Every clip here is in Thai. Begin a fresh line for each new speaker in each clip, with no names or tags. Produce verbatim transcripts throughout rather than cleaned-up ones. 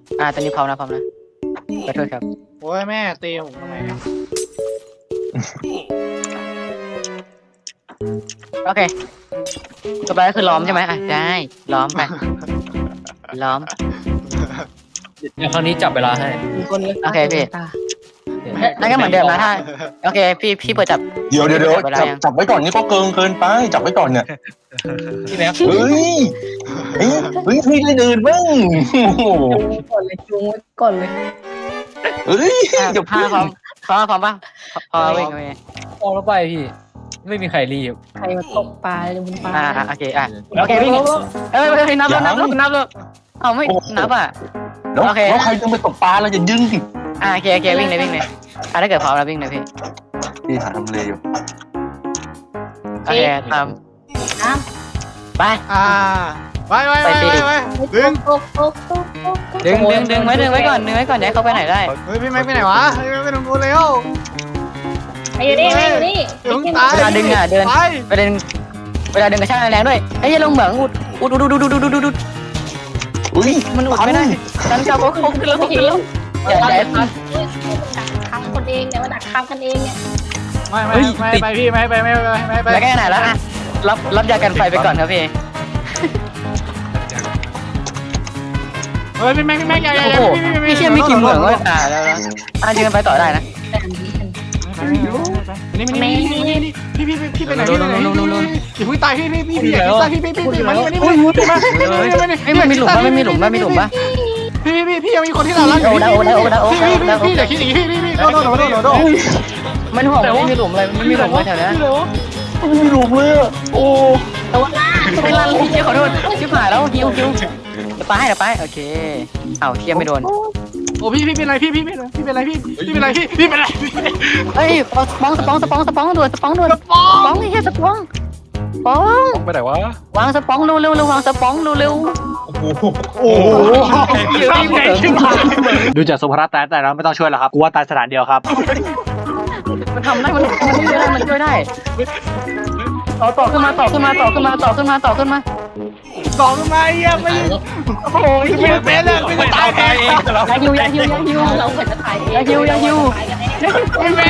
อ่าตอนนี้พร้อมนะพร้อมนะขอโทษครับ
โอ้ยแม่ตีผมทำไมเนี่ย
โอเคต่อไปก็คือล้อมใช่ไหมอ่ะได้ล้อมไปล้อม
เดี๋ยวครั้งนี้จับเวลาให้
โอเคพี่นั่นก็เหมือนเดิมนะถ้าโอเคพี่พี่เปิดจับ
เดี๋ยวเดี๋ยวเดี๋ยว
เวลา
จับ
ยัง
จับไว้ก่อนนี่ก็เกินเกินไปจับไว้ก่อนเนี่ย
พี่แม็ก
เฮ้ยเฮ้ยเฮ้ยพี่ได้อื่นบ้างโอ้โห
ก่อนเลยจูงไว้ก่อนเลย
เฮ้ย
อ่ะ
เดี๋ยว
ห้าพร้อมพร้อมพร้อมป่ะพอวิ่งโอเค
ออกแล้วไปพี่ ไม่มีใครรีบ
ใครมาตกปลาเลยบนปลา
อ่าอ่ะโอเคอ่ะโอเควิ่งเอ้ยเฮ้ยนับแล้วนับแล้วนับแล้วเอาไม่นับอ่ะ
แล้ว
โอเค
แล้วใครจะไปตกปลาเราจะยึงสิ
อ่ะโอเคโอเควิ่งเลยวิ่งเลยอ่ะถ้าเกิดพร้อมแล้ววิ่งเลยพี่
พี่หาทำเลอยู่
โอเคตาม
น้
ไป
อ่าไปไปไป
ไปสิ
ไปไปดึง
ำตกตกตกตกตก
ดึงดึงดึงไว้ดึงไว้ก่อนดึงไว้ก่อนอย่าให้เขาไปไหนได้
เฮ้ยพี่แม็กไปไหนวะเฮ้ยไปตรงนู้นเร็ว
ไปอยู่นี่ไปอยู่นี่
เดี๋ยวมึงตาย
เวลาดึงอ่ะเดิน
ไป
ประเด็นเวลาดึงกระชากแรงด้วยเฮ้ยอย่าลงเหมืองอุดอุดอุดอุดอุดอุดอุดอุดอุด
อุ้ย
มันอุดไม่ได้ฉันจะเขาเขาขึ้นแล้วเขาขึ้นแล้วอย่าอย่าให้พัก
เฮ้ยดักทำคนเองเนี่ยมาดักทำกันเองเนี่ย
ไม่ไม่ไม่ไปพี่ไม่ไปไม่ไปไม่ไป
แล้วแค่ไหนแล้วอ่ะรับรับยากันไฟไปก่อนครับพี่
เฮ้ยพี่แม็กพี่แม็กอย่าอย่า
โอ้
อย่า
โหพี่เชื่อไม่กี่เหมืองว่าตายแล้วนะอ่ะยืนไปต่อได้นะ
แต่อันนี้มัน
นี่มันนี่นี่นี่พี่พี่พี่ไปไหนพี่ไปไหนพี่พี่ตายพี่พี่พี่พี่อย่าตายพี่พี่พี่พี่มานี่มานี่มานี่มานี่
เฮ้ยมันมีหลุมป่ะไม่มีหลุมป่ะมีหลุมป่ะ
พี่พี่พี่พี่ยังมีคนที่เรารักอยู่พี่พี่อย่าคิดอย่างนี้พี่พี่พี่โดนโดนโดนโดน
มันห่วงไม่มีหลุมเลยมันมีหลุมไว้แถวนี้
ไม่รู้เลยอะโอ้
ตัวล่า
ไม่รันพี่ขอโทษชิบหายแล้วฮิวฮิวเดี๋ยวไปเดี๋ยวไปโอเคเอาเทียมไม่โดน
โอ้พี่พี่เป็นไรพี่พี่เป็นไรพี่เป็นไรพี่พี่เป็นไรพี่พี่เป็นไร
เฮ้ยสปองสปองสปองสปองด่วนสปองด่วน
สปอ
สปองนี่แค่สปองสปอง
ไปไหนวะ
วางสปองเร็วเร็วเร็ววางสปองเร็วเร็ว
โอ้โห
ดูจากสุภาพตายแต่เราไม่ต้องช่วยหรอกครับกูว่าตายสถานเดียวครับ
มันทำได้มันมันช่วยได้มันช่วยได้ต่อต่อขึ้นมาต่อขึ้นมาต่อขึ้นมาต่อขึ้นมาต่อขึ้นมา
สองมาเยี่ยมไปโอ้ยไม่เป็นเลยไม่ตายแทน
ยาฮิวยาฮิวยาฮิว
เราเหมือนจะถ่ายเอง
ยาฮิวยาฮิว
ไม่แม่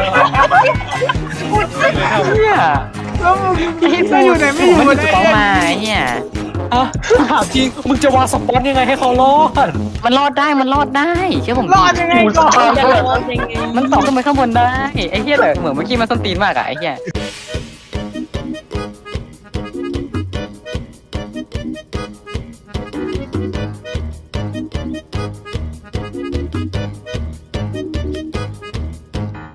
เนี่ย
แล้วมึงจะอยู่ไหนไม่อยู่
มัน
เล
ส
ย
ปองมาเนี่ย
อ่ะถามจริงมึงจะวางสปอนยังไงให้เขารอด
มันรอดได้มันรอดได้เชื่อผม
รอดยังไงก่อน
มันต่อขึ้นไปข้างบนได้ไอ้เหี้ยแต่เหมือนเมื่อกี้มันส้นตีนมากอะไอ้เหี้ย